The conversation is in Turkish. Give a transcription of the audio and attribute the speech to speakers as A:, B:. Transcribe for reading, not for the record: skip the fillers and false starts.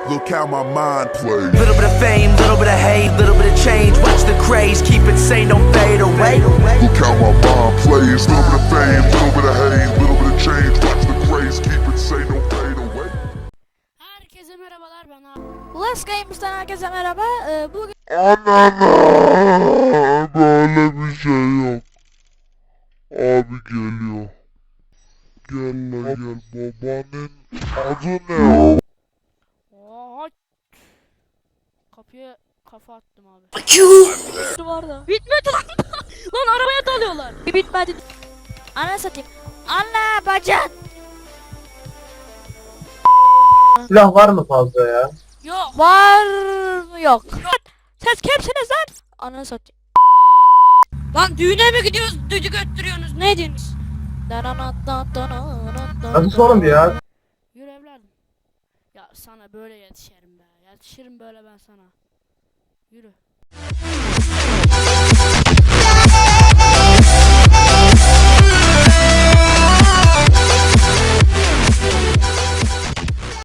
A: Look how my mind plays.
B: Little bit of fame, little bit of hate, little bit of change. Watch the craze, keep it sane, don't fade away.
A: Look how my mind plays. Little bit of fame, little bit of hate, little bit of change. Watch the craze, keep it sane, don't fade away.
C: Herkese merhabalar, ben abi. Last Games'ten herkese merhaba. Bugün
D: Anana böyle bir şey yok. Abi geliyor. Gel la gel, babanın adı ne?
C: Oha! Kapıya kafa attım abi. Var da. Bitmedi lan. Lan arabaya dalıyorlar. Bitmedi. Ana satayım. Ana bacak.
E: Silah var mı fazla ya?
C: Yok. Var mı yok. Siz kimsiniz lan? Ana satayım. Lan düğüne mi gidiyoruz? Düdük öttürüyorsunuz. Ne diyorsunuz?
E: Nasıl oğlum ya?
C: Yürü evladım. Ya sana böyle yetişirim be. Yetişirim böyle ben sana. Yürü.